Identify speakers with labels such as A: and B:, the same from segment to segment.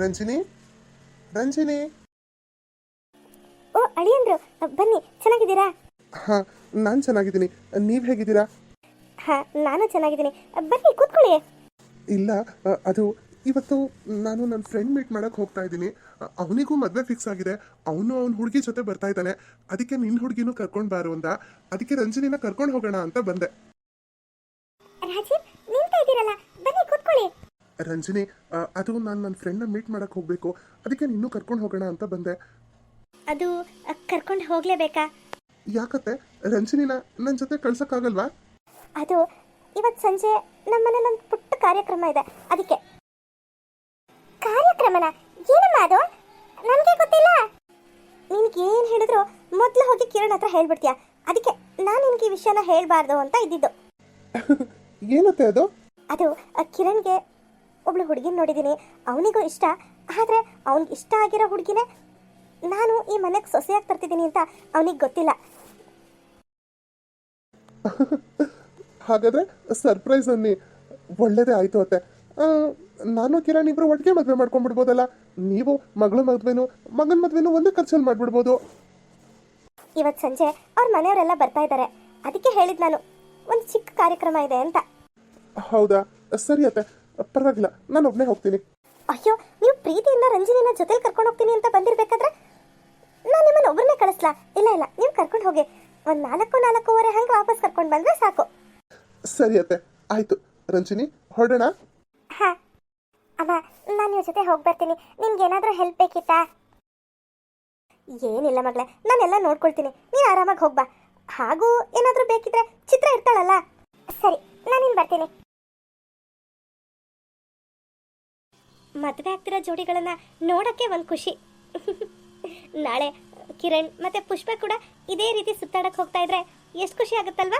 A: ರಂಜಿನಿ ರಂಜಿನಿ.
B: ಓ ಅಳಿಯಂದ್ರು, ಬನ್ನಿ. ಚೆನ್ನಾಗಿದ್ದೀರಾ?
A: ಹಾಂ, ನಾನು ಚೆನ್ನಾಗಿದ್ದೀನಿ. ನೀವು ಹೇಗಿದ್ದೀರಾ?
B: ಹಾಂ, ನಾನು ಚೆನ್ನಾಗಿದ್ದೀನಿ. ಬನ್ನಿ ಕೂತ್ಕೊಳ್ಳಿ.
A: ಇಲ್ಲ, ಅದು ಇವತ್ತು ನಾನು ನನ್ನ ಫ್ರೆಂಡ್ ಮೀಟ್ ಮಾಡೋಕ್ಕೆ ಹೋಗ್ತಾ ಇದ್ದೀನಿ. ಅವನಿಗೂ ಮದುವೆ ಫಿಕ್ಸ್ ಆಗಿದೆ. ಅವನು ಅವ್ನ ಹುಡುಗಿ ಜೊತೆ ಬರ್ತಾ ಇದ್ದಾನೆ. ಅದಕ್ಕೆ ನಿನ್ನ ಹುಡುಗಿನೂ ಕರ್ಕೊಂಡು ಬಾರು ಅಂದ. ಅದಕ್ಕೆ ರಂಜಿನಿನ ಕರ್ಕೊಂಡು ಹೋಗೋಣ ಅಂತ ಬಂದೆ.
B: ರಾಜೀವ್, ನಿಂತ ಇದ್ದೀರಲ್ಲ, ಬನ್ನಿ ಕೂತ್ಕೊಳ್ಳಿ.
A: ರಂಜಿನಿ, ಅದು ನಾನು ನನ್ನ ಫ್ರೆಂಡ್ನ ಮೀಟ್ ಮಾಡೋಕ್ಕೆ ಹೋಗಬೇಕು. ಅದಕ್ಕೆ ನಿನ್ನೂ ಕರ್ಕೊಂಡು ಹೋಗೋಣ ಅಂತ ಬಂದೆ.
B: ಅದು ಕರ್ಕೊಂಡು ಹೋಗಲೇಬೇಕಾ?
A: ಯಾಕತ್ತೆ, ರಂಜಿನಿನ ನನ್ನ ಜೊತೆ ಕಳ್ಸೋಕ್ಕಾಗಲ್ವಾ?
B: ಅದು ಇವತ್ತು ಸಂಜೆ ನಮ್ಮ ಮನೇಲಿ ಒಂದು ಪುಟ್ಟ ಕಾರ್ಯಕ್ರಮ ಇದೆ, ಅದಕ್ಕೆ. ಕಾರ್ಯಕ್ರಮನ? ಏನಮ್ಮ ಅದು? ನನಗೆ ಗೊತ್ತಿಲ್ಲ. ನಿನಗೆ ಏನು ಹೇಳಿದ್ರು ಮೊದಲು ಹೋಗಿ ಕಿರಣ್ ಹತ್ರ ಹೇಳ್ಬಿಡ್ತೀಯ. ಅದಕ್ಕೆ ನಾನು ನಿನಗೆ ಈ ವಿಷಯನ ಹೇಳಬಾರ್ದು ಅಂತ ಇದ್ದಿದ್ದು.
A: ಏನತ್ತೆ ಅದು?
B: ಅದು ಕಿರಣ್ಗೆ ಒಬ್ಳು ಹುಡುಗಿನ ನೋಡಿದ್ದೀನಿ. ಅವನಿಗೂ ಇಷ್ಟ. ಆದರೆ ಅವ್ನಿಗೆ ಇಷ್ಟ ಆಗಿರೋ ಹುಡುಗಿನೇ ನಾನು ಈ ಮನೆಗೆ ಸೊಸೆಯಾಗಿ ತರ್ತಿದ್ದೀನಿ ಅಂತ ಅವನಿಗೆ ಗೊತ್ತಿಲ್ಲ.
A: ಹಾಗಾದ್ರೆ ಸರ್ಪ್ರೈಸ್ ಅನ್ನಿ. ಒಳ್ಳೇದೇ ಆಯ್ತು ಅತ್ತೆ. ನಾನು ಕಿರಣ್ ಇಬ್ರು ಒಟ್ಟಿಗೆ ಮದುವೆ ಮಾಡ್ಕೊಂಡ್ಬಿಡ್ಬೋದಲ್ಲ. ನೀವು ಮಗಳ ಮದುವೆನು ಮಗನ ಮದುವೆನು ಒಂದೇ ಖರ್ಚಲ್ಲಿ ಮಾಡ್ಬಿಡ್ಬೋದು.
B: ಇವತ್ತು ಸಂಜೆ ಅವ್ರ ಮನೆಯವರೆಲ್ಲ ಬರ್ತಾ ಇದ್ದಾರೆ. ಅದಕ್ಕೆ ಹೇಳಿದ್ ನಾನು, ಒಂದು ಚಿಕ್ಕ ಕಾರ್ಯಕ್ರಮ ಇದೆ ಅಂತ.
A: ಹೌದಾ, ಸರಿ ಅತ್ತೆ, ಪರವಾಗಿಲ್ಲ, ನಾನು ಒಬ್ಬನೇ ಹೋಗ್ತೀನಿ.
B: ಅಯ್ಯೋ, ನೀವು ಪ್ರೀತಿಯಿಂದ ರಂಜಿನಿನ ಜೊತೆಲಿ ಕರ್ಕೊಂಡು ಹೋಗ್ತೀನಿ ಅಂತ ಬಂದಿರ್ಬೇಕಾದ್ರೆ ನಾನು ನಿಮ್ಮನ್ನು ಒಬ್ಬರನ್ನೇ ಕಳಿಸ್ಲಾ? ಇಲ್ಲ ಇಲ್ಲ, ನೀವು ಕರ್ಕೊಂಡು ಹೋಗಿ. ಒಂದು 4-4:15 ಹಂಗೆ ವಾಪಸ್ ಕರ್ಕೊಂಡು ಬಂದರೆ ಸಾಕು.
A: ಸರಿ ಅತ್ತೆ, ಆಯ್ತು. ರಂಜಿನಿ, ಹೊರಡೋಣ?
B: ಹಾಂ ಅಮ್ಮ, ನಾನು ನಿಮ್ಮ ಜೊತೆ ಹೋಗಿ ಬರ್ತೀನಿ. ನಿಮ್ಗೇನಾದರೂ ಹೆಲ್ಪ್ ಬೇಕಿತ್ತಾ? ಏನಿಲ್ಲ ಮಗಳೇ, ನಾನೆಲ್ಲ ನೋಡ್ಕೊಳ್ತೀನಿ. ನೀನು ಆರಾಮಾಗಿ ಹೋಗ್ಬಾ. ಹಾಗೂ ಏನಾದರೂ ಬೇಕಿದ್ರೆ ಚಿತ್ರ ಇರ್ತಾಳಲ್ಲ. ಸರಿ, ನಾನಿನ್ನು ಬರ್ತೀನಿ. ಮದುವೆ ಆಗ್ತಿರೋ ಜೋಡಿಗಳನ್ನ ನೋಡೋಕ್ಕೆ ಒಂದು ಖುಷಿ. ನಾಳೆ ಕಿರಣ್ ಮತ್ತೆ ಪುಷ್ಪ ಕೂಡ ಇದೇ ರೀತಿ ಸುತ್ತಾಡಕ್ಕೆ ಹೋಗ್ತಾ ಇದ್ರೆ ಎಷ್ಟು ಖುಷಿ ಆಗುತ್ತಲ್ವಾ?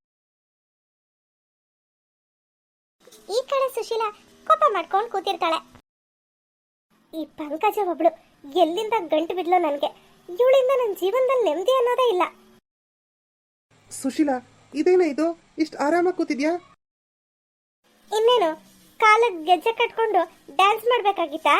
B: ಈ ಕಡೆ ಸುಶೀಲಾ ಕೋಪ ಮಾಡ್ಕೊಂಡು ಕೂತಿರ್ತಾಳೆ. ಈ ಪಂಕಜ ಒಬ್ಳು ಎಲ್ಲಿಂದ ಗಂಟು ಬಿಡ್ಲೋ ನನಗೆ. ಇವಳಿಂದ ನನ್ನ ಜೀವನದಲ್ಲಿ ನೆಮ್ಮದಿ ಅನ್ನೋದೇ ಇಲ್ಲ.
A: ಸುಶೀಲಾ, ಇದೇನೇ ಇದು, ಇಷ್ಟು ಆರಾಮಾಗಿ ಕೂತಿದ್ಯಾ?
B: ಇನ್ನೇನು, ಕಾಲಕ್ಕೆ ಗೆಜ್ಜೆ ಕಟ್ಕೊಂಡು ಡ್ಯಾನ್ಸ್ ಮಾಡ್ಬೇಕಾಗಿತ್ತಾ?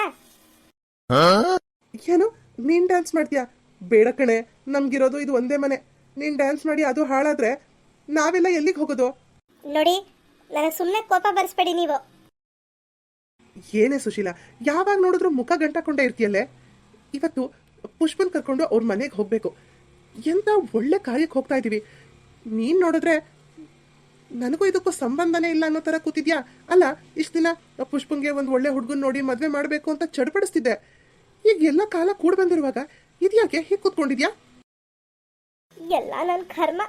A: ಏನು, ನೀನ್ ಡ್ಯಾನ್ಸ್ ಮಾಡ್ತೀಯಾ? ಬೇಡ ಕಣೆ, ನಮ್ಗಿರೋದು ಇದು ಒಂದೇ ಮನೆ. ನೀನ್ ಡ್ಯಾನ್ಸ್ ಮಾಡಿ ಅದು ಹಾಳಾದ್ರೆ ನಾವೆಲ್ಲ ಎಲ್ಲಿಗೆ ಹೋಗೋದು?
B: ನೋಡಿ, ನನಗೆ ಸುಮ್ಮನೆ ಕೋಪ ಬರ್ಸ್ಬೇಡಿ ನೀವು.
A: ಏನೇ ಸುಶೀಲಾ, ಯಾವಾಗ ನೋಡಿದ್ರು ಮುಖ ಗಂಟಾಕೊಂಡೇ ಇರ್ತೀಯಲ್ಲೇ. ಇವತ್ತು ಪುಷ್ಪನ್ ಕರ್ಕೊಂಡು ಅವ್ರ ಮನೆಗೆ ಹೋಗ್ಬೇಕು. ಎಂತ ಒಳ್ಳೆ ಕಾರ್ಯಕ್ಕೆ ಹೋಗ್ತಾ ಇದೀವಿ. ನೀನ್ ನೋಡಿದ್ರೆ ನನಗೂ ಇದಕ್ಕೂ ಸಂಬಂಧನೇ ಇಲ್ಲ ಅನ್ನೋ ತರ ಕೂತಿದ್ಯಾ. ಅಲ್ಲ, ಇಷ್ಟು ದಿನ ಪುಷ್ಪನ್ಗೆ ಒಂದು ಒಳ್ಳೆ ಹುಡುಗನ್ ನೋಡಿ ಮದ್ವೆ ಮಾಡ್ಬೇಕು ಅಂತ ಚಡ್ಪಡಿಸ್ತಿದ್ದೆ. ಈಗ ಎಲ್ಲ ಕಾಲ ಕೂಡ ಬಂದಿರುವಾಗ ಇದ್ಯಾಕೆ ಹೀಗೆ ಕೂತ್ಕೊಂಡಿದ್ಯಾ?
B: ಎಲ್ಲ ನನ್ನ ಕರ್ಮ.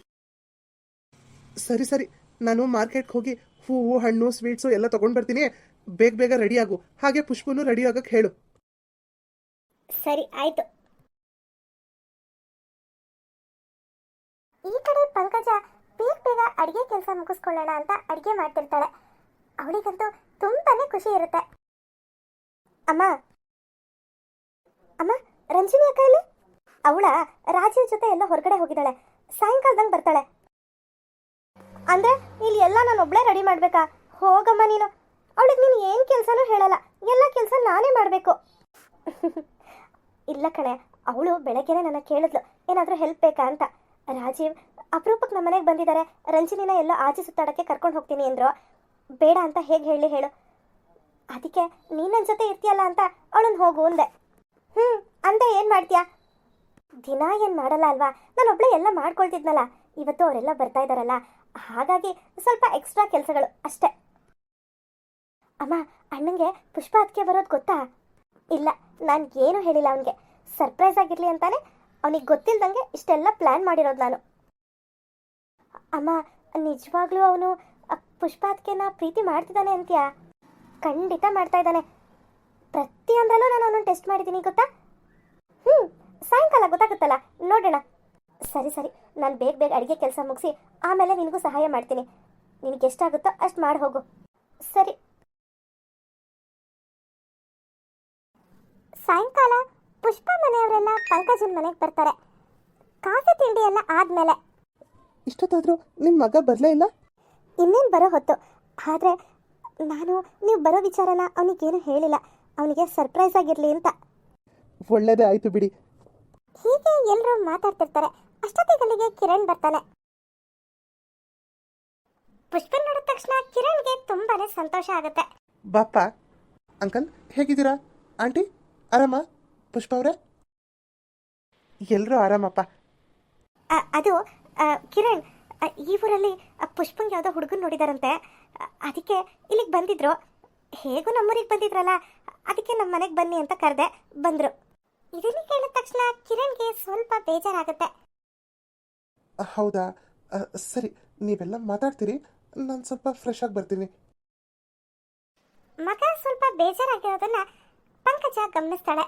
A: ಸರಿ ಸರಿ, ನಾನು ಮಾರ್ಕೆಟ್ಗೆ ಹೋಗಿ ಹೂವು, ಹಣ್ಣು, ಸ್ವೀಟ್ಸು ಎಲ್ಲ ತಗೊಂಡ್ ಬರ್ತೀನಿ. ಬೇಗ ಬೇಗ ರೆಡಿ ಆಗು. ಹಾಗೆ ಪುಷ್ಪನು ರೆಡಿ ಆಗಕ್ಕೆ ಹೇಳು.
B: ಸರಿ, ಆಯ್ತು. ಈ ಕಡೆ ಪಂಕಜ ಬೇಗ ಬೇಗ ಅಡಿಗೆ ಕೆಲಸ ಮುಗಿಸ್ಕೊಳ್ಳೋಣ ಅಂತ ಅಡಿಗೆ ಮಾಡ್ತಿರ್ತಾಳೆ. ಅವಳಿಗಂತೂ ತುಂಬಾನೇ ಖುಷಿ ಇರುತ್ತೆ. ಅಮ್ಮ ಅಮ್ಮ, ರಂಜಿನಿ ಅಕ್ಕ ಇಲ್ಲಿ? ಅವಳ ರಾಜೀವ್ ಜೊತೆ ಎಲ್ಲ ಹೊರಗಡೆ ಹೋಗಿದ್ದಾಳೆ. ಸಾಯಂಕಾಲದಂಗೆ ಬರ್ತಾಳೆ. ಅಂದ್ರೆ ಇಲ್ಲಿ ಎಲ್ಲ ನಾನು ಒಬ್ಳೇ ರೆಡಿ ಮಾಡ್ಬೇಕಾ? ಹೋಗಮ್ಮ ನೀನು. ಅವಳಿಗೆ ನೀನು ಏನು ಕೆಲಸನೂ ಹೇಳಲ್ಲ, ಎಲ್ಲ ಕೆಲಸ ನಾನೇ ಮಾಡಬೇಕು. ಇಲ್ಲ ಕಣೆ, ಅವಳು ಬೆಳಗ್ಗೆನೆ ನನ್ನ ಕೇಳಿದ್ಲು ಏನಾದರೂ ಹೆಲ್ಪ್ ಬೇಕಾ ಅಂತ. ರಾಜೀವ್ ಅಪರೂಪಕ್ಕೆ ನಮ್ಮ ಮನೆಗೆ ಬಂದಿದ್ದಾರೆ, ರಂಜಿನಿನ ಎಲ್ಲೋ ಆಚೆ ಸುತ್ತಾಡಕ್ಕೆ ಕರ್ಕೊಂಡು ಹೋಗ್ತೀನಿ ಅಂದ್ರು. ಬೇಡ ಅಂತ ಹೇಗೆ ಹೇಳು. ಅದಕ್ಕೆ ನೀನು ನನ್ನ ಜೊತೆ ಇರ್ತೀಯಲ್ಲ ಅಂತ ಅವಳನ್ನು ಹೋಗು ಅಂದೆ. ಅಂದೆ ಏನು ಮಾಡ್ತೀಯಾ? ದಿನ ಏನು ಮಾಡಲ್ಲ ಅಲ್ವಾ, ನಾನು ಒಬ್ಳೆ ಎಲ್ಲ ಮಾಡ್ಕೊಳ್ತಿದ್ನಲ್ಲ. ಇವತ್ತು ಅವರೆಲ್ಲ ಬರ್ತಾ ಇದ್ದಾರಲ್ಲ, ಹಾಗಾಗಿ ಸ್ವಲ್ಪ ಎಕ್ಸ್ಟ್ರಾ ಕೆಲಸಗಳು ಅಷ್ಟೇ. ಅಮ್ಮ, ಅಣ್ಣಂಗೆ ಪುಷ್ಪ ಅದಕ್ಕೆ ಬರೋದು ಗೊತ್ತಾ? ಇಲ್ಲ, ನಾನು ಏನೂ ಹೇಳಿಲ್ಲ ಅವನಿಗೆ. ಸರ್ಪ್ರೈಸ್ ಆಗಿರಲಿ ಅಂತಾನೆ ಅವನಿಗೆ ಗೊತ್ತಿಲ್ದಂಗೆ ಇಷ್ಟೆಲ್ಲ ಪ್ಲ್ಯಾನ್ ಮಾಡಿರೋದು ನಾನು. ಅಮ್ಮ, ನಿಜವಾಗ್ಲೂ ಅವನು ಪುಷ್ಪ ಅದಕ್ಕೆನ ಪ್ರೀತಿ ಮಾಡ್ತಿದ್ದಾನೆ ಅಂತೀಯಾ? ಖಂಡಿತ ಮಾಡ್ತಾ ಇದ್ದಾನೆ. ಪ್ರತಿಯೊಂದರಲ್ಲೂ ನಾನು ಅವನನ್ನು ಟೆಸ್ಟ್ ಮಾಡಿದ್ದೀನಿ ಗೊತ್ತಾ. ಸಾಯಂಕಾಲ ಗೊತ್ತಾಗುತ್ತಲ್ಲ, ನೋಡೋಣ. ಸರಿ ಸರಿ, ನಾನು ಬೇಗ ಬೇಗ ಅಡುಗೆ ಕೆಲಸ ಮುಗಿಸಿ ಆಮೇಲೆ ನಿನಗೂ ಸಹಾಯ ಮಾಡ್ತೀನಿ. ನಿನಗೆ ಎಷ್ಟಾಗುತ್ತೋ ಅಷ್ಟು ಮಾಡಿ ಹೋಗು. ಸರಿ. ಸಾಯಂಕಾಲ ಪುಷ್ಪ ಮನೆಯವರೆಲ್ಲ ಪಂಕಜನ ಮನೆಗೆ ಬರ್ತಾರೆ. ಕಾಫಿ ತಿಂಡಿ ಎಲ್ಲ ಆದಮೇಲೆ.
A: ಇಷ್ಟೊತ್ತಾದರೂ ನಿಮ್ಮ ಮಗ ಬರಲೇ ಇಲ್ಲ?
B: ಇನ್ನೇನು ಬರೋ ಹೊತ್ತು. ಆದರೆ ನಾನು ನೀವು ಬರೋ ವಿಚಾರನ ಅವನಿಗೇನು ಹೇಳಿಲ್ಲ. ಅವನಿಗೆ ಸರ್ಪ್ರೈಸ್ ಆಗಿರಲಿ ಅಂತ.
A: ಒಳ್ಳೇದೇ ಆಯ್ತು ಬಿಡಿ.
B: ಹೀಗೆ ಎಲ್ಲರೂ ಮಾತಾಡ್ತಿರ್ತಾರೆ. ಅಷ್ಟೊತ್ತಿಗಲ್ಲಿಗೆ ಕಿರಣ್ ಬರ್ತಾನೆ. ಪುಷ್ಪನ್ ನೋಡಿದ ತಕ್ಷಣ ಕಿರಣ್ಗೆ ತುಂಬಾನೇ ಸಂತೋಷ ಆಗುತ್ತೆ.
A: ಬಾಪ್ಪ. ಅಂಕಲ್ ಹೇಗಿದ್ದೀರಾ? ಆಂಟಿ ಆರಾಮ? ಪುಷ್ಪ ಅವರೇ ಎಲ್ಲರೂ ಆರಾಮಪ್ಪ.
B: ಅದು ಕಿರಣ್, ಈ ಊರಲ್ಲಿ ಪುಷ್ಪಂಗೆ ಯಾವುದೋ ಹುಡುಗನ್ ನೋಡಿದಾರಂತೆ. ಅದಕ್ಕೆ ಇಲ್ಲಿಗೆ ಬಂದಿದ್ರು. ಹೇಗೂ ನಮ್ಮೂರಿಗೆ ಬಂದಿದ್ರಲ್ಲ, ಅದಕ್ಕೆ ನಮ್ಮ ಮನೆಗೆ ಬನ್ನಿ ಅಂತ ಕರೆದೆ, ಬಂದ್ರು. ಇದನ್ನ ಕೇಳಿದ ತಕ್ಷಣ ಕಿರಣ್ಗೆ ಸ್ವಲ್ಪ ಬೇಜಾರಾಗುತ್ತೆ.
A: ಹೌದಾ? ಸರಿ, ನೀವೆಲ್ಲ ಮಾತಾಡ್ತೀರಿ, ನಾನು ಸ್ವಲ್ಪ ಫ್ರೆಶ್ ಆಗಿ ಬರ್ತೀನಿ.
B: ಮಗ ಸ್ವಲ್ಪ ಬೇಜಾರಾಗಿರೋದನ್ನ ಪಂಕಜ ಗಮನಿಸ್ತಾಳೆ.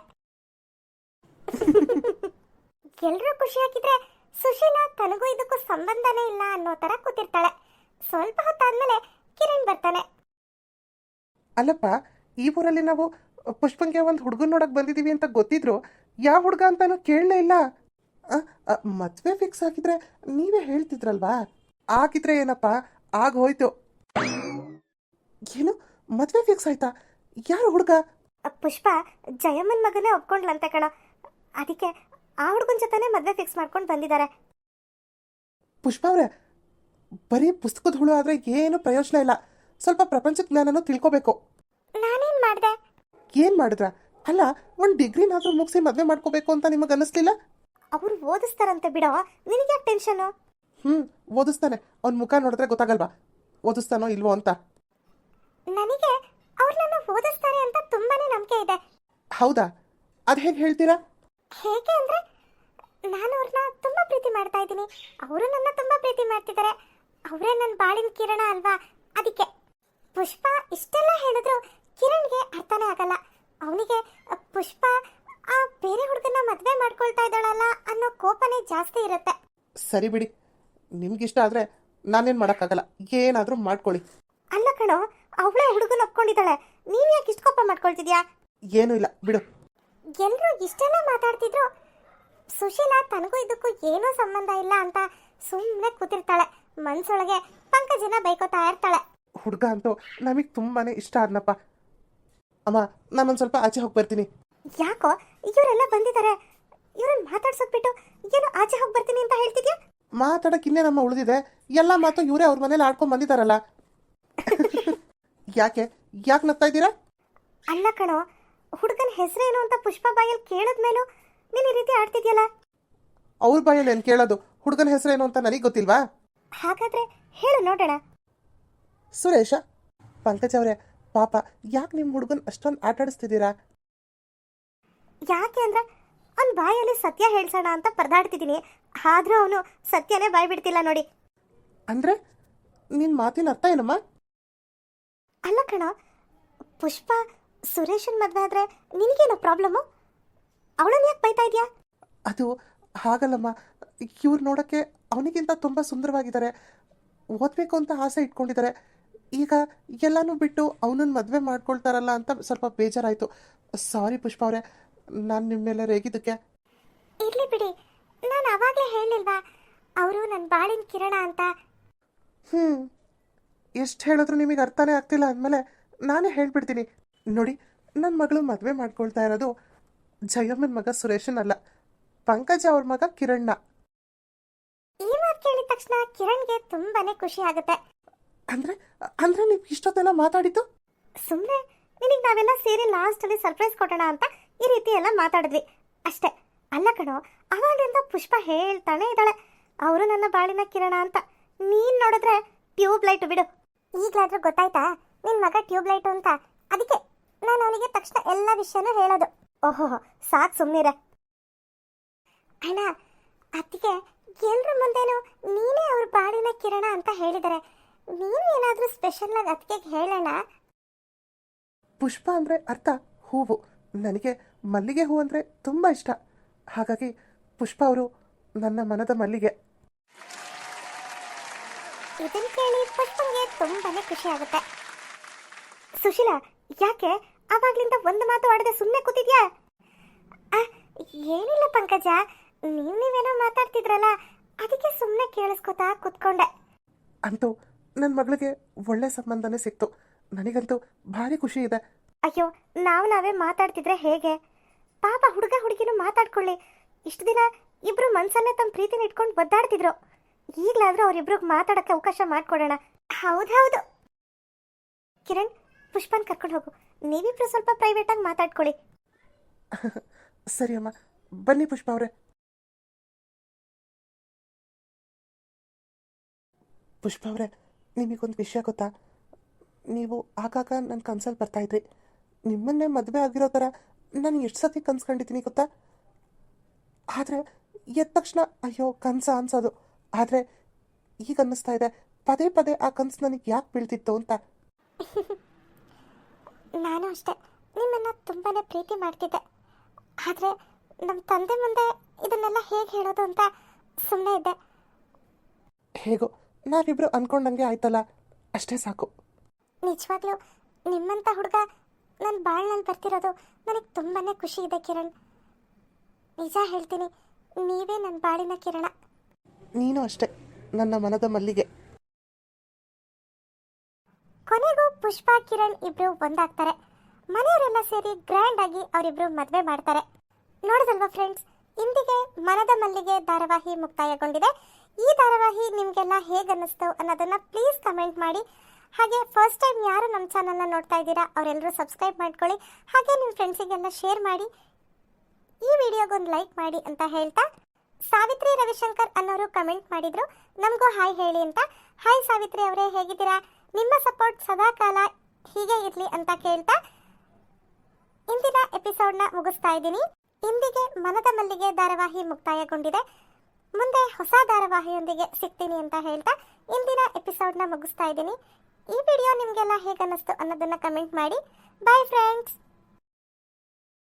B: ಎಲ್ರೂ ಖುಷಿಯಾಗಿದ್ರೆ ಸುಶೀಲಾ ತನಗೂ ಇದಕ್ಕೂ ಸಂಬಂಧನೇ ಇಲ್ಲ ಅನ್ನೋ ತರ ಕೂತಿರ್ತಾಳೆ. ಸ್ವಲ್ಪ ಹೊತ್ತಾದ್ಮೇಲೆ ಕಿರಣ್ ಬರ್ತಾನೆ.
A: ಅಲ್ಲಪ್ಪ, ಈ ಊರಲ್ಲಿ ನಾವು ಪುಷ್ಪಂಗೆ ಒಂದು ಹುಡುಗನ್ ನೋಡಕ್ ಬಂದಿದೀವಿ ಅಂತ ಗೊತ್ತಿದ್ರು, ಯಾವ ಹುಡುಗ ಅಂತಾನು ಕೇಳಲೇ ಇಲ್ಲ. ಮದ್ವೆ ಫಿಕ್ಸ್ ಆಗಿದ್ರೆ ನೀವೇ ಹೇಳ್ತಿದ್ರಲ್ವಾ? ಆಗಿದ್ರೆ ಏನಪ್ಪ, ಆಗ ಹೋಯ್ತು. ಏನು ಮದ್ವೆ ಫಿಕ್ಸ್ ಆಯ್ತಾ? ಯಾರು ಹುಡುಗ?
B: ಪುಷ್ಪ ಜಯಮ್ಮನ್ ಮಗನೇ ಒಪ್ಕೊಂಡ್ಲಂತೆ ಕಣೋ. ಅದಕ್ಕೆ ಆ ಹುಡುಗನ ಜೊತೆನೆ ಮದ್ವೆ ಫಿಕ್ಸ್ ಮಾಡ್ಕೊಂಡು ಬಂದಿದ್ದಾರೆ.
A: ಪುಷ್ಪ ಅವ್ರೆ, ಬರೀ ಪುಸ್ತಕದ ಹುಳು ಆದ್ರೆ ಏನು ಪ್ರಯೋಜನ ಇಲ್ಲ. ಸ್ವಲ್ಪ ಪ್ರಪಂಚ ಜ್ಞಾನನೂ ತಿಳ್ಕೋಬೇಕು.
B: ನಾನೇನ್ ಮಾಡ್ದೆ?
A: ಏನ್ ಮಾಡಿದ್ರ? ಅಲ್ಲ, ಒಂದು ಡಿಗ್ರಿನಾದ್ರೂ ಮುಗಿಸಿ ಮದ್ವೆ ಮಾಡ್ಕೋಬೇಕು ಅಂತ ನಿಮಗೆ ಅನ್ನಿಸ್ಲಿಲ್ಲ?
B: ಅವ್ರು ಓದಿಸ್ತಾರಂತೆ ಬಿಡೋ, ನಿನಗೆ ಯಾಕೆ ಟೆನ್ಷನು?
A: ಓದಿಸ್ತಾನೆ. ಅವ್ನ ಮುಖ ನೋಡಿದ್ರೆ ಗೊತ್ತಾಗಲ್ವಾ ಓದಿಸ್ತಾನೋ ಇಲ್ವೋ ಅಂತ?
B: ನನಗೆ ಅವ್ರು ನನ್ನ ಓದಿಸ್ತಾರೆ ಅಂತ ತುಂಬಾನೇ ನಂಬಿಕೆ ಇದೆ.
A: ಹೌದಾ? ಅದ್ ಹೇಗೆ ಹೇಳ್ತೀರಾ?
B: ಹೇಗೆ ಅಂದ್ರೆ, ನಾನು ಅವ್ರನ್ನ ತುಂಬಾ ಪ್ರೀತಿ ಮಾಡ್ತಾ ಇದ್ದೀನಿ, ಅವರು ನನ್ನ ತುಂಬಾ ಪ್ರೀತಿ ಮಾಡ್ತಿದ್ದಾರೆ. ಅವರೇ ನನ್ನ ಬಾಳಿನ ಕಿರಣ ಅಲ್ವಾ? ಅದಕ್ಕೆ. ಪುಷ್ಪ ಇಷ್ಟೆಲ್ಲ ಹೇಳಿದ್ರು ಕಿರಣ್ಗೆ ಅರ್ಥನೇ ಆಗಲ್ಲ. ಅವನಿಗೆ ಪುಷ್ಪ ಆ ಬೇರೆ ಹುಡುಗನ ಮದ್ವೆ ಮಾಡ್ಕೊಳ್ತಾ ಇದ್ದಾಳಲ್ಲ ಅನ್ನೋ ಕೋಪನೇ ಜಾಸ್ತಿ ಇರುತ್ತೆ.
A: ಸರಿ ಬಿಡಿ, ನಿಮ್ಗಿಷ್ಟ ಆದ್ರೆ ನಾನೇನ್ ಮಾಡಕ್ಕಾಗಲ್ಲ, ಏನಾದ್ರೂ ಮಾಡ್ಕೊಳ್ಳಿ.
B: ಅಲ್ಲ ಕಣೋ, ಅವಳೇ ಹುಡುಗನ ಒಪ್ಕೊಂಡಿದ್ದಾಳೆ, ನೀನ್ ಯಾಕೆ ಇಷ್ಟು ಕೋಪ ಮಾಡ್ಕೊಳ್ತಿದ್ಯಾ?
A: ಏನೂ ಇಲ್ಲ ಬಿಡು.
B: ಎಲ್ರೂ ಇಷ್ಟೆಲ್ಲ ಮಾತಾಡ್ತಿದ್ರು ಸುಶೀಲಾ ತನಗೂ ಇದಕ್ಕೂ ಏನೂ ಸಂಬಂಧ ಇಲ್ಲ ಅಂತ ಸುಮ್ಮನೆ ಕೂತಿರ್ತಾಳೆ. ಮನ್ಸೊಳಗೆ ಪಂಕಜನ ಬೈಕೋತಾ ಇರ್ತಾಳೆ.
A: ಹುಡುಗ ಅಂತೂ ನಮಗ್ ತುಂಬಾನೇ ಇಷ್ಟ ಆದ್ನಪ್ಪ. ಅಮ್ಮ, ನಾನೊಂದ್ ಸ್ವಲ್ಪ ಆಚೆ ಹೋಗಿ ಬರ್ತೀನಿ.
B: ಯಾಕೋ ಇವರೆಲ್ಲ ಬಂದಿದ್ದಾರೆ, ಇವ್ರನ್ನ ಮಾತಾಡ್ಸೋದ್ ಬಿಟ್ಟು ಏನೋ ಆಚೆ ಹೋಗಿ ಬರ್ತೀನಿ ಅಂತ ಹೇಳ್ತಿದ್ಯಾ?
A: ಮಾತಾಡಕ್ ಇನ್ನೇನಮ್ಮ ಉಳಿದಿದೆ? ಎಲ್ಲ ಮಾತು ಇವರೇ ಅವ್ರ ಮನೇಲಿ ಆಡ್ಕೊಂಡ್ ಬಂದಿದಾರಲ್ಲ. ಯಾಕೆ ನಗ್ತಾ ಇದ್ದೀರಾ?
B: ಅಲ್ಲ ಕಣೋ, ಹುಡುಗನ ಹೆಸರೇನು ಅಂತ ಪುಷ್ಪ ಬಾಯಲ್ಲಿ ಕೇಳಿದ್ಮೇಲೂ ನೀನ್ ಈ ರೀತಿ ಆಡ್ತಿದ್ಯಲ್ಲ.
A: ಅವ್ರ ಬಾಯಲ್ಲಿ ಏನ್ ಕೇಳೋದು? ಹುಡುಗನ ಹೆಸರೇನು ಅಂತ ನನಗೆ ಗೊತ್ತಿಲ್ವಾ?
B: ಹಾಗಾದ್ರೆ ಹೇಳು ನೋಡೋಣ.
A: ಸುರೇಶ. ಪಂಕಜ್ ಅವರೇ, ಪಾಪ ಯಾಕೆ ನಿಮ್ಮ ಹುಡುಗನ್ ಅಷ್ಟೊಂದು ಆಟಾಡಿಸ್ತಿದ್ದೀರಾ?
B: ಯಾಕೆ ಅಂದ್ರೆ ಅವ್ನ ಬಾಯಲ್ಲಿ ಸತ್ಯ ಹೇಳ್ಸೋಣ ಅಂತ ಪರದಾಡ್ತಿದ್ದೀನಿ, ಆದ್ರೂ ಅವನು ಸತ್ಯನೇ ಬಾಯ್ ಬಿಡ್ತಿಲ್ಲ ನೋಡಿ.
A: ಅಂದ್ರೆ ನಿನ್ ಮಾತಿನ ಅರ್ಥ ಏನಮ್ಮ?
B: ಅಲ್ಲ ಕಣ, ಪುಷ್ಪ ಸುರೇಶನ್ ಮದ್ವೆ ಆದ್ರೆ ನಿನಗೇನೋ ಪ್ರಾಬ್ಲಮ್ಮು? ಅವಳನ್ನ ಯಾಕೆ ಬೈತಾ ಇದೆಯಾ?
A: ಅದು ಹಾಗಲ್ಲಮ್ಮ, ಇವ್ರು ನೋಡಕ್ಕೆ ಅವನಿಗಿಂತ ತುಂಬಾ ಸುಂದರವಾಗಿದ್ದಾರೆ, ಓದ್ಬೇಕು ಅಂತ ಆಸೆ ಇಟ್ಕೊಂಡಿದ್ದಾರೆ. ಈಗ ಎಲ್ಲಾನು ಬಿಟ್ಟು ಅವನನ್ನ ಮದುವೆ ಮಾಡ್ಕೊಳ್ತಾರಲ್ಲ ಅಂತ ಸ್ವಲ್ಪ ಬೇಜಾರಾಯ್ತು. ಸಾರಿ ಪುಷ್ಪ ಅವರೇ, ನಾನು ನಿಮ್ಮ ಮೇಲೆ ರೇಗಿದ್ದಕ್ಕೆ.
B: ಇರ್ಲಿ ಬಿಡಿ, ನಾನು ಅವಾಗಲೇ ಹೇಳಿಲ್ವಾ ಅವರು ನನ್ನ ಬಾಳಿನ ಕಿರಣ ಅಂತ?
A: ಎಷ್ಟು ಹೇಳಿದ್ರು ನಿಮಗೆ ಅರ್ಥನೇ ಆಗ್ತಿಲ್ಲ ಅಂದಮೇಲೆ ನಾನೇ ಹೇಳ್ಬಿಡ್ತೀನಿ ನೋಡಿ. ನನ್ನ ಮಗಳು ಮದುವೆ ಮಾಡ್ಕೊಳ್ತಾ ಇರೋದು ಜಯಮ್ಮನ ಮಗ ಸುರೇಶನ್ ಅಲ್ಲ, ಪಂಕಜ ಅವ್ರ ಮಗ ಕಿರಣ್ಣ.
B: ಈ ಮಾತು ಕೇಳಿದ ತಕ್ಷಣ ಕಿರಣ್ಗೆ ತುಂಬಾನೇ ಖುಷಿ ಆಗುತ್ತೆ.
A: ಅಂದ್ರೆ ನೀವು ಇಷ್ಟೊತ್ತೆಲ್ಲ ಮಾತಾಡಿದ್ದು?
B: ಸುಮ್ಮನೆ ನಿನಗೆ ನಾವೆಲ್ಲ ಸೇರಿ ಲಾಸ್ಟ್ ಅಲ್ಲಿ ಸರ್ಪ್ರೈಸ್ ಕೊಡೋಣ ಅಂತ ಈ ರೀತಿ ಎಲ್ಲ ಮಾತಾಡಿದ್ವಿ ಅಷ್ಟೇ. ಅಲ್ಲ ಕಣೋ, ಅವಾಗಿಂದ ಪುಷ್ಪ ಹೇಳ್ತಾನೆ ಇದ್ದಾಳೆ ಅವರು ನನ್ನ ಬಾಳಿನ ಕಿರಣ ಅಂತ. ನೀನ್ ನೋಡಿದ್ರೆ ಟ್ಯೂಬ್ ಲೈಟ್ ಬಿಡು. ಈಗಲಾದ್ರೂ ಗೊತ್ತಾಯ್ತಾ ನಿನ್ ಮಗ ಟ್ಯೂಬ್ ಲೈಟ್ ಅಂತ? ಅದಕ್ಕೆ ನಾನು ಅವನಿಗೆ ತಕ್ಷಣ ಎಲ್ಲ ವಿಷಯನೂ ಹೇಳೋದು. ಓಹೋ, ಸಾಕು ಸುಮ್ಮನಿರೆ ಅಣ್ಣ. ಅದಕ್ಕೆ ಎಲ್ರ ಮುಂದೆನೂ ನೀನೇ ಅವ್ರ ಬಾಳಿನ ಕಿರಣ ಅಂತ ಹೇಳಿದರೆ, ನೀನು ಏನಾದರೂ ಸ್ಪೆಷಲ್ ಆಗಿ ಅದಕ್ಕೆ ಹೇಳೋಣ.
A: ಪುಷ್ಪ ಅಂದ್ರೆ ಅರ್ಥ ಹೂವು. ನನಗೆ ಮಲ್ಲಿಗೆ ಹೂ ಅಂದ್ರೆ ತುಂಬಾ ಇಷ್ಟ, ಹಾಗಾಗಿ ಪುಷ್ಪ ಅವರು ನನ್ನ ಮನದ ಮಲ್ಲಿಗೆ.
B: ಇದನ್ನ ಕೇಳಿ ಪುಷ್ಪಂಗೆ ತುಂಬಾನೇ ಖುಷಿ ಆಗುತ್ತೆ. ಸುಶೀಲಾ, ಯಾಕೆ ಅವಾಗ್ಲಿಂದ ಒಂದು ಮಾತು ಆಡದೆ ಸುಮ್ಮನೆ ಕೂತಿದ್ಯಾ? ಏನಿಲ್ಲ ಪಂಕಜ, ನೀವೇನೋ ಮಾತಾಡ್ತಿದ್ರಲ್ಲ, ಅದಕ್ಕೆ ಸುಮ್ಮನೆ ಕೇಳಿಸ್ಕೊತಾ ಕೂತ್ಕೊಂಡೆ.
A: ಅಂತೂ ನನ್ನ ಮಗಳಿಗೆ ಒಳ್ಳೆ ಸಂಬಂಧನೇ ಸಿಕ್ತು. ನನಗಂತೂ ಭಾರಿ ಖುಷಿ ಇದೆ.
B: ಅಯ್ಯೋ ನಾವೇ ಮಾತಾಡ್ತಿದ್ರೆ ಹೇಗೆ? ಪಾಪ ಹುಡುಗ ಹುಡುಗಿನೂ ಮಾತಾಡ್ಕೊಳ್ಳಿ. ಇಷ್ಟು ದಿನ ಇಬ್ರು ಮನ್ಸಲ್ಲೇ ತಮ್ಮ ಪ್ರೀತಿನ ಇಟ್ಕೊಂಡು ಒದ್ದಾಡ್ತಿದ್ರು. ಈಗಲಾದ್ರೂ ಅವರಿಬ್ರಿಗೆ ಮಾತಾಡೋಕ್ಕೆ ಅವಕಾಶ ಮಾಡಿಕೊಡೋಣ. ಹೌದೌದು. ಕಿರಣ್, ಪುಷ್ಪನ್ ಕರ್ಕೊಂಡು ಹೋಗು. ನೀವಿಬ್ರು ಸ್ವಲ್ಪ ಪ್ರೈವೇಟಾಗಿ ಮಾತಾಡ್ಕೊಳ್ಳಿ.
A: ಸರಿ ಅಮ್ಮ, ಬನ್ನಿ ಪುಷ್ಪ ಅವರೇ. ಪುಷ್ಪ ಅವರೇ, ನಿಮಗೊಂದು ವಿಷಯ ಗೊತ್ತಾ? ನೀವು ಆಗಾಗ ನನ್ನ ಕನ್ಸಲ್ಲಿ ಬರ್ತಾಯಿದ್ರಿ. ನಿಮ್ಮನ್ನೇ ಮದುವೆ ಆಗಿರೋ ಥರ ನಾನು ಎಷ್ಟು ಸತಿ ಕನ್ಸ್ಕೊಂಡಿದ್ದೀನಿ ಗೊತ್ತಾ? ಆದರೆ ಎದ್ದ ತಕ್ಷಣ ಅಯ್ಯೋ ಕನಸ ಅನ್ಸೋದು. ಆದರೆ ಈಗ ಅನ್ನಿಸ್ತಾ ಇದೆ ಪದೇ ಪದೇ ಆ ಕನಸು ನನಗೆ ಯಾಕೆ ಬೀಳ್ತಿತ್ತು ಅಂತ.
B: ನಾನು ಅಷ್ಟೇ ನಿಮ್ಮನ್ನು ತುಂಬಾ ಪ್ರೀತಿ ಮಾಡ್ತಿದ್ದೆ. ಆದರೆ ನಮ್ಮ ತಂದೆ ಮುಂದೆ ಇದನ್ನೆಲ್ಲ ಹೇಗೆ ಹೇಳೋದು ಅಂತ ಸುಮ್ಮನೆ ಇದ್ದೆ.
A: ಹೇಗೋ ನಾವಿಬ್ರು ಅಂದ್ಕೊಂಡಂಗೆ ಆಯ್ತಲ್ಲ, ಅಷ್ಟೇ ಸಾಕು.
B: ನಿಜವಾಗ್ಲೂ ನಿಮ್ಮಂಥ ಹುಡುಗ ನನ್ನ ಬಾಳ್ನಲ್ಲಿ ಬರ್ತಿರೋದು ನನಗೆ ತುಂಬಾ ಖುಷಿ ಇದೆ ಕಿರಣ್. ನಿಜ ಹೇಳ್ತೀನಿ, ನೀವೇ ನನ್ನ ಬಾಳಿನ ಕಿರಣ.
A: ನೀನು ಅಷ್ಟೇ ನನ್ನ ಮನದ ಮಲ್ಲಿಗೆ.
B: ಕೊನೆಗೂ ಪುಷ್ಪ ಕಿರಣ್ ಇಬ್ರು ಒಂದಾಗ್ತಾರೆ. ಮನೆಯವರೆಲ್ಲ ಸೇರಿ ಗ್ರ್ಯಾಂಡ್ ಆಗಿ ಅವರಿಬ್ರು ಮದುವೆ ಮಾಡ್ತಾರೆ. ನೋಡಿದಲ್ವಾ ಫ್ರೆಂಡ್ಸ್, ಇಂದಿಗೆ ಮನದ ಮಲ್ಲಿಗೆ ಧಾರಾವಾಹಿ ಮುಕ್ತಾಯಗೊಂಡಿದೆ. ಈ ಧಾರಾವಾಹಿ ನಿಮಗೆಲ್ಲ ಹೇಗೆ ಅನ್ನಿಸ್ತು ಅನ್ನೋದನ್ನ ಪ್ಲೀಸ್ ಕಮೆಂಟ್ ಮಾಡಿ. ಹಾಗೆ ಫಸ್ಟ್ ಟೈಮ್ ಯಾರು ನಮ್ಮ ಚಾನಲ್ನ ನೋಡ್ತಾ ಇದ್ದೀರಾ ಅವರೆಲ್ಲರೂ ಸಬ್ಸ್ಕ್ರೈಬ್ ಮಾಡ್ಕೊಳ್ಳಿ. ಹಾಗೆ ನಿಮ್ಮ ಫ್ರೆಂಡ್ಸಿಗೆಲ್ಲ ಶೇರ್ ಮಾಡಿ, ಈ ವಿಡಿಯೋಗೊಂದು ಲೈಕ್ ಮಾಡಿ ಅಂತ ಹೇಳ್ತಾ, ಸಾವಿತ್ರಿ ರವಿಶಂಕರ್ ಅನ್ನೋರು ಕಮೆಂಟ್ ಮಾಡಿದ್ರು ನಮಗೂ ಹಾಯ್ ಹೇಳಿ ಅಂತ. ಹಾಯ್ ಸಾವಿತ್ರಿ ಅವರೇ, ಹೇಗಿದ್ದೀರಾ? ನಿಮ್ಮ ಸಪೋರ್ಟ್ ಸದಾ ಕಾಲ ಹೀಗೆ ಇರಲಿ ಅಂತ ಕೇಳ್ತಾ ಇಂದಿನ ಎಪಿಸೋಡ್ನ ಮುಗಿಸ್ತಾ ಇದ್ದೀನಿ. ಇಂದಿಗೆ ಮನದ ಮಲ್ಲಿಗೆ ಧಾರಾವಾಹಿ ಮುಕ್ತಾಯಗೊಂಡಿದೆ. ಮುಂದೆ ಹೊಸ ಧಾರಾವಾಹಿಯೊಂದಿಗೆ ಸಿಗ್ತೀನಿ ಅಂತ ಹೇಳ್ತಾ ಇಂದಿನ ಎಪಿಸೋಡ್ನ ಮುಗಿಸ್ತಾ ಇದ್ದೀನಿ. ಈ ವಿಡಿಯೋ ನಿಮಗೆಲ್ಲ ಹೇಗೆ ಅನ್ನಿಸ್ತು ಅನ್ನೋದನ್ನ ಕಮೆಂಟ್ ಮಾಡಿ. Bye friends.